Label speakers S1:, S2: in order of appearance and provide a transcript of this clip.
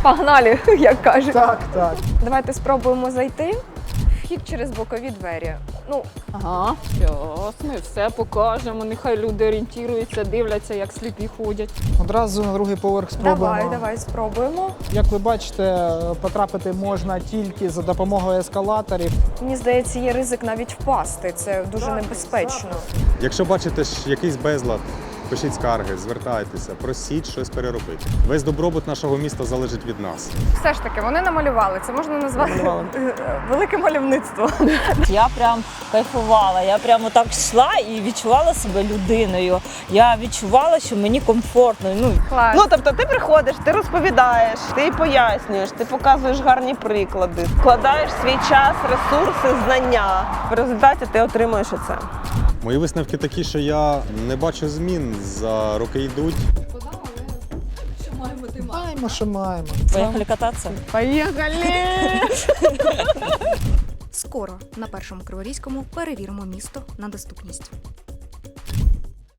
S1: Погнали, як кажуть.
S2: Так, так.
S1: Давайте спробуємо зайти. Вхід через бокові двері. Ну,
S3: Ага, щас ми все покажемо. Нехай люди орієнтуються, дивляться, як сліпі ходять.
S2: Одразу на другий поверх спробуємо.
S1: давай спробуємо.
S2: Як ви бачите, потрапити можна тільки за допомогою ескалаторів.
S1: Мені здається, є ризик навіть впасти. Це дуже небезпечно.
S4: Якщо бачите якийсь безлад, пишіть скарги, звертайтеся, просіть щось переробити. Весь добробут нашого міста залежить від нас.
S1: Все ж таки, вони намалювали. Це можна назвати велике мальовництво.
S5: Я прям кайфувала, я прямо так йшла і відчувала себе людиною. Я відчувала, що мені комфортно.
S1: Клас.
S6: Ну, тобто ти приходиш, ти розповідаєш, ти пояснюєш, ти показуєш гарні приклади, вкладаєш свій час, ресурси, знання. В результаті ти отримуєш оце.
S4: Мої висновки такі, що я не бачу змін, за роки йдуть.
S2: Маємо, що маємо.
S5: Поїхали кататися.
S7: Скоро на Першому Криворізькому перевіримо місто на доступність.